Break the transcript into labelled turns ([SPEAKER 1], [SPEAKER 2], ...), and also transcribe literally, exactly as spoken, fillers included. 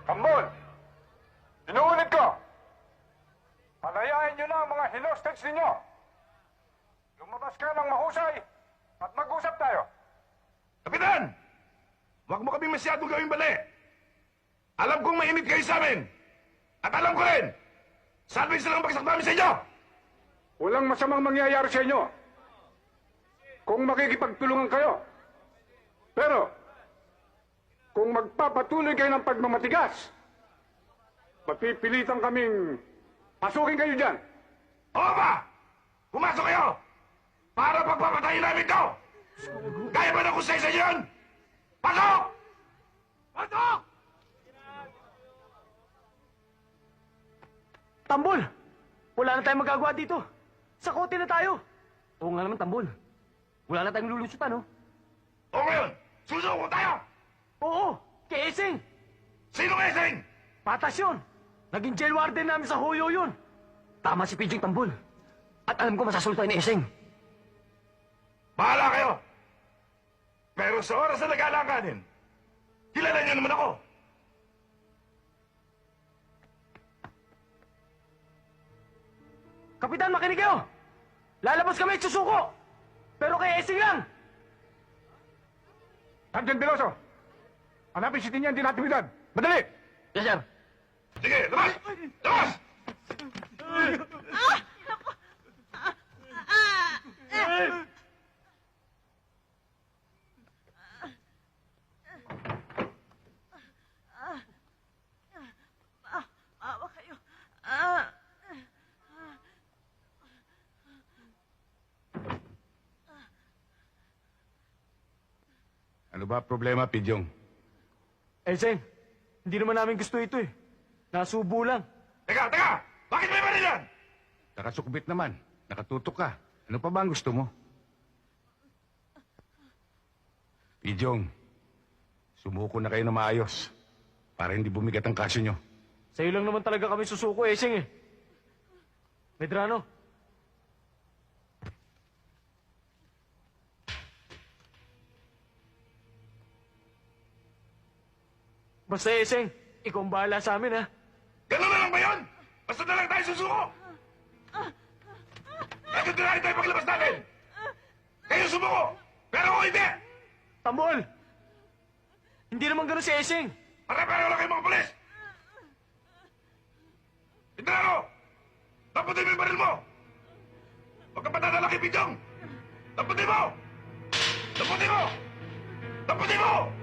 [SPEAKER 1] Tambol! Inuulit ko! Palayain nyo na ang mga hostage ninyo! Lumabas ka ng mahusay at mag-usap tayo!
[SPEAKER 2] Kapitan! Huwag mo kami masyadong gawing bali. Alam kong mainit kayo sa amin. At alam ko rin, salvage na lang bagsak namin sa inyo.
[SPEAKER 1] Walang masamang mangyayari sa inyo kung makikipagtulungan kayo. Pero, kung magpapatuloy kayo ng pagmamatigas, mapipilitan kaming pasukin kayo dyan.
[SPEAKER 2] Oo ba? Pumasok kayo! Para pagpapatayin namin to! Kaya ba na kusay sa inyo yun? Pasok! Pasok!
[SPEAKER 3] Tambol! Wala na tayong magagawa dito. Sa kote na tayo. Oo nga naman, Tambol. Wala na tayong lulusutan, no?
[SPEAKER 2] O ngayon, susuko tayo!
[SPEAKER 3] Oo! Kay Eseng!
[SPEAKER 2] Sino eseng?
[SPEAKER 3] Patas yun! Naging jail warden namin sa Hoyo yun. Tama si Pidging, Tambol. At alam ko masasultuin ni Eseng.
[SPEAKER 2] Bahala kayo! Pero sa oras na nag-alanganin, kilala niyo naman ako.
[SPEAKER 3] Kapitan, makinig kayo! Lalabas kami at susuko! Pero kay Eseng lang!
[SPEAKER 1] Sergeant Veloso, hanapin si Tinyan din natividad. Madali!
[SPEAKER 3] Yes, sir.
[SPEAKER 2] Sige, labas! Labas!
[SPEAKER 4] Maawa kayo. Ah.
[SPEAKER 2] Ano ba problema, Pidyong?
[SPEAKER 3] Eseng, hindi naman namin gusto ito eh. Nasubo lang.
[SPEAKER 2] Teka, teka! Bakit may baril yan? Nakasukbit naman. Nakatutok ka. Ano pa ba ang gusto mo? Pidyong, sumuko na kayo na maayos para hindi bumigat ang kaso nyo.
[SPEAKER 3] Sa'yo lang naman talaga kami susuko, Eseng eh. Medrano. Basta, Eseng, ikaw ang bahala sa amin, ha?
[SPEAKER 2] Ganun na lang ba yun? Basta na lang tayo susuko! Bakit na lang tayo paglabas natin? Kayo sumuko! Pero ako hindi!
[SPEAKER 3] Tambol! Hindi naman ganun si Eseng.
[SPEAKER 2] Pare-pareho lang kayo mga polis! Indrano! Taputin mo yung baril mo! Huwag kang patadala kay Pidyong! Taputin mo! Taputin mo! Taputin mo!